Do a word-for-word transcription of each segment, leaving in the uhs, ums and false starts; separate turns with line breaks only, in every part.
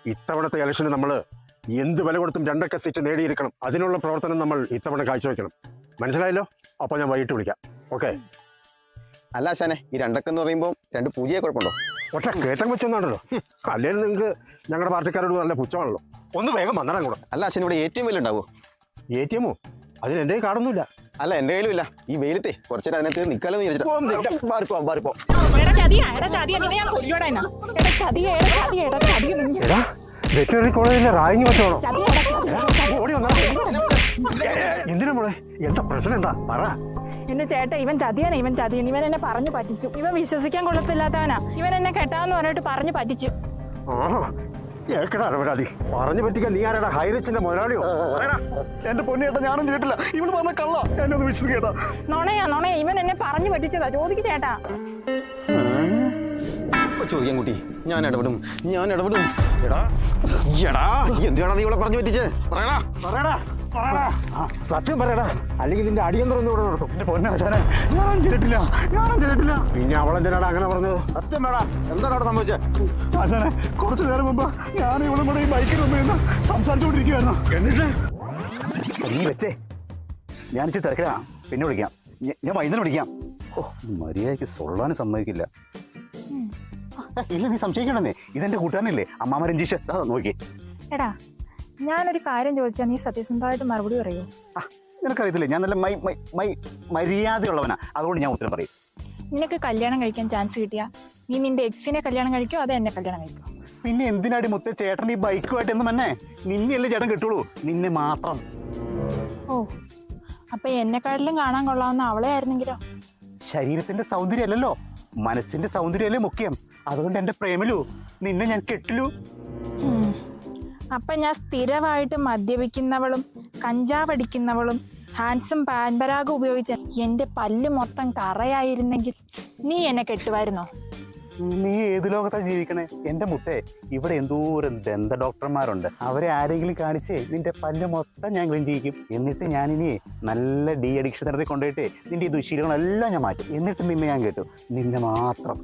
ഇത്തവണത്തെ ഇലക്ഷന് നമ്മൾ എന്ത് വില കൊടുത്തും രണ്ടൊക്കെ സീറ്റ് നേടിയിരിക്കണം. അതിനുള്ള പ്രവർത്തനം നമ്മൾ ഇത്തവണ കാഴ്ചവെക്കണം. മനസ്സിലായല്ലോ? അപ്പോൾ ഞാൻ വൈകിട്ട് വിളിക്കാം. ഓക്കെ?
അല്ല ആശാനെ, ഈ രണ്ടൊക്കെ എന്ന് പറയുമ്പോൾ രണ്ട് പൂജയെ കുഴപ്പമുണ്ടോ?
പക്ഷേ കേട്ടം വെച്ചൊന്നാണല്ലോ. അല്ലെങ്കിൽ നിങ്ങൾക്ക് ഞങ്ങളുടെ പാർട്ടിക്കാരോട് നല്ല പുച്ഛമാണല്ലോ. ഒന്ന് വേഗം വന്നടാൻ കൂടെ.
അല്ല ആശാൻ, ഇവിടെ എ ടി എം വല്ല ഉണ്ടാവോ?
എ ടി എമ്മോ? അതിന് എൻ്റെ കാണുന്നില്ല.
അല്ല, എൻ്റെ കയ്യിലും ഇല്ല. ഈ വെയിലത്തെ കുറച്ചേരം അതിനകത്ത് നിൽക്കാലെന്ന് വിചാരിച്ചിട്ട്.
വെറ്ററിനറി കോളേജിലെ റായിങ് വെച്ചോളോ? ഓടി വന്നാ എന്തിനാ മോളെ? എന്താ പ്രശ്നം? എന്താ പറ.
എന്റെ ചേട്ടാ, ഇവൻ ചതിയനാ, ഇവൻ ചതിയൻ. ഇവൻ എന്നെ പറഞ്ഞു പറ്റിച്ചു. ഇവൻ വിശ്വസിക്കാൻ കൊള്ളത്തില്ലാത്തവനാ. ഇവൻ എന്നെ കെട്ടാന്ന് പറഞ്ഞിട്ട് പറഞ്ഞു പറ്റിച്ചു.
പരാതി പറഞ്ഞു പറ്റിക്കാൻ നീ ആരാടാ? ഹൈറിച്ചിന്റെ മുതലാളിയോ?
എന്റെ പൊന്നേട്ടാ, ഞാനും കേട്ടില്ല. ഇവള് പറഞ്ഞ കള്ള, എന്നെ ഒന്ന് വിശ്വസിക്കേട്ടാ.
നുണയാ നുണയാ. ഇവൻ എന്നെ പറഞ്ഞു പറ്റിച്ചതാ. ചോദിക്ക് ചേട്ടാ.
ചോദിക്കാൻ കുട്ടി, ഞാൻ ഇടപെടും, ഞാൻ ഇടപെടും. എടാ എടാ എന്തിനാണ് നീ ഇവിടെ പറഞ്ഞു പറ്റിച്ചേ? പറയടാ
പറയടാ സത്യം പറയടാ, അല്ലെങ്കിൽ നിന്റെ അടിയന്തരം ഇവിടെ നടത്തും.
എന്റെ പൊന്നാശാനെ, ഞാൻ ചെയ്തിട്ടില്ല, ഞാനും ചെയ്തിട്ടില്ല.
പിന്നെ അവളെന്തിനാടാ അങ്ങനെ പറഞ്ഞത്? സത്യം വേടാ, എന്താണ് അവിടെ സംഭവിച്ചത്?
ആശാനെ, കുറച്ചു നേരം മുമ്പ് ഞാൻ ഇവിടെ കൂടെ ഈ ബൈക്കിൽ മുമ്പ് നിന്ന് സംസാരിച്ചുകൊണ്ടിരിക്കുകയായിരുന്നു.
എന്നിട്ട്
നീ വെച്ചേ, ഞാൻ ഇച്ചിരി തിരക്കിലാ, പിന്നെ വിളിക്കാം. ഞാൻ വൈകുന്നേരം വിളിക്കാം. ഓ, മര്യാദയ്ക്ക് സൊള്ളാനും സമ്മതിക്കില്ല. ഇല്ല, നീ സംശയിക്കണമെന്നേ. ഇതെന്റെ കൂട്ടുകാരനല്ലേ, അമ്മാമ രഞ്ജീഷ്. നോക്കി.
എടാ, ഞാനൊരു കാര്യം ചോദിച്ചാൽ നീ സത്യസന്ധമായിട്ട് മറുപടി പറയൂ?
ആ, നിനക്കറിയത്തില്ലേ, ഞാൻ നല്ല മൈ മൈ മൈ മര്യാദയുള്ളവനാ. അതുകൊണ്ട് ഞാൻ ഉത്തരം പറയും.
നിനക്ക് കല്യാണം കഴിക്കാൻ ചാൻസ് കിട്ടിയാ നീ നിന്റെ എക്സിനെ കല്യാണം കഴിക്കോ അതോ എന്നെ കല്യാണം കഴിക്കോ?
പിന്നെ എന്തിനാടി മുത്തേ ചേട്ടൻ ഈ ബൈക്കുമായിട്ട് എന്ന് മന്നെ? നിന്നെയല്ലേ ചേട്ടൻ കിട്ടുള്ളൂ, നിന്നെ മാത്രം.
ഓ, അപ്പൊ എന്നെക്കാട്ടിലും കാണാൻ കൊള്ളാവുന്ന അവളെ ആയിരുന്നെങ്കിലോ?
ശരീരത്തിന്റെ സൗന്ദര്യം അല്ലല്ലോ, മനസ്സിന്റെ സൗന്ദര്യമല്ലേ മുഖ്യം. അതുകൊണ്ട് എന്റെ പ്രേമലു, നിന്നെ ഞാൻ കെട്ടില്ലു.
അപ്പൊ ഞാൻ സ്ഥിരമായിട്ട് മദ്യപിക്കുന്നവളും കഞ്ചാവടിക്കുന്നവളും ഹാൻസും പാൻപരാഗും ഉപയോഗിച്ച എന്റെ പല്ല് മൊത്തം കറയായിരുന്നെങ്കിൽ നീ എന്നെ കെട്ടുമായിരുന്നോ?
നീ ഏത് ലോകത്താണ് ജീവിക്കണേ എന്റെ മുത്തേ? ഇവിടെ എന്തോരം ദന്ത ഡോക്ടർമാരുണ്ട്. അവരെ ആരെങ്കിലും കാണിച്ചേ നിന്റെ പല്ല് മൊത്തം ഞാൻ ക്ലീൻ ചെയ്യിക്കും. എന്നിട്ട് ഞാനിനി നല്ല ഡി അഡിക്ഷൻ സെന്ററിൽ കൊണ്ടുപോയിട്ട് നിന്റെ ഈ ദുശീലങ്ങളെല്ലാം ഞാൻ മാറ്റും. എന്നിട്ട് നിന്നെ ഞാൻ കേട്ടു, നിന്നെ മാത്രം.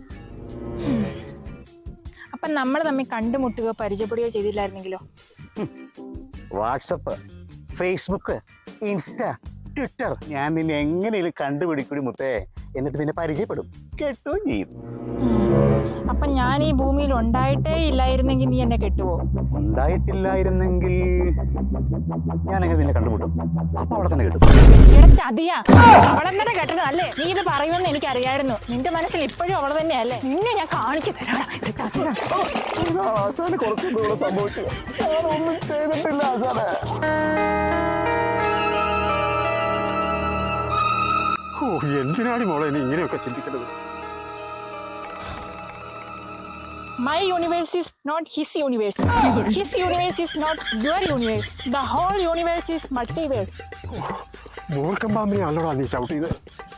അപ്പൊ നമ്മൾ തമ്മിൽ കണ്ടുമുട്ടുകയോ പരിചയപ്പെടുകയോ ചെയ്തില്ലായിരുന്നെങ്കിലോ?
വാട്സപ്പ്, ഫേസ്ബുക്ക്, ഇൻസ്റ്റ, ട്വിറ്റർ, ഞാൻ നിന്നെ എങ്ങനെയും കണ്ടുപിടിക്കൂടി മുത്തേ. എന്നിട്ട് നിന്നെ പരിചയപ്പെടും, കേട്ടുകയും ചെയ്യും.
അപ്പൊ ഞാൻ ഈ ഭൂമിയിൽ ഉണ്ടായിട്ടേ ഇല്ലായിരുന്നെങ്കിൽ നീ എന്നെ കെട്ടുവോ?
ഉണ്ടായിട്ടില്ലായിരുന്നെങ്കിൽ ഞാൻ എങ്ങനെ നിന്നെ കണ്ടുമുട്ടും? അപ്പൊ അവിടെ തന്നെ കിട്ടും.
എടാ ചതിയാ, അവളെ തന്നെ കെട്ടതല്ലേ? നീ ഇത് പറയുമെന്ന് എനിക്കറിയായിരുന്നു. നിന്റെ മനസ്സിൽ ഇപ്പോഴും അവളെ തന്നെയല്ലേ? നിന്നെ ഞാൻ കാണിച്ചു തരാം.
ആശാന് കുറച്ചുകൂടെ സംഭവിച്ചു. ഞാനൊന്നും ചെയ്തിട്ടില്ല ആശാനെ.
ഓ, എന്തിനാണ് മോളെ നീ ഇങ്ങനെയൊക്കെ ചിന്തിക്കേണ്ടത്?
My universe is not his universe. His universe is not your universe. The whole universe is multiverse.
മൂർഖം പാമ്പിനെ അല്ലടാ നീ ചവിട്ടിയത്.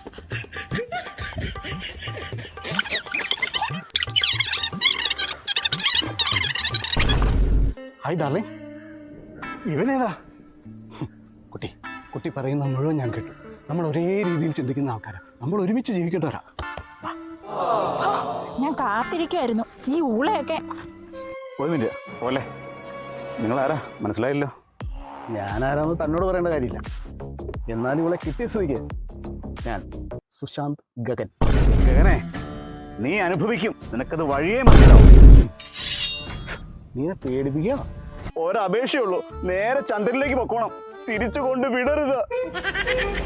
Hi darling.
ഇവനേതാ?
കുട്ടി കുട്ടി പറയുന്ന മുഴുവൻ ഞാൻ കേട്ടു. നമ്മൾ ഒരേ രീതിയിൽ ചിന്തിക്കുന്ന ആൾക്കാരാ. നമ്മൾ ഒരുമിച്ച് ജീവിക്കേണ്ടവരാ.
ഞാൻ കാത്തിരിക്കുമായിരുന്നു ഈ ഊളയൊക്കെ.
ഒരു മിനിറ്റ് പോലെ, നിങ്ങളാരാ മനസ്സിലായല്ലോ? ഞാനാരാന്ന് തന്നോട് പറയേണ്ട കാര്യമില്ല. എന്നാലും ഇവിടെ കിട്ടിയ സ്ഥിതിക്ക് ഞാൻ സുശാന്ത് ഗഗൻ. ഗഗനെ, നീ അനുഭവിക്കും, നിനക്കത് വഴിയേ മനസ്സിലാവും. നീ പേടിപ്പിക്കണം. ഒരപേക്ഷയുള്ളൂ, നേരെ ചന്ദ്രനിലേക്ക് പൊക്കോണം, തിരിച്ചു കൊണ്ട് വിടരുത്.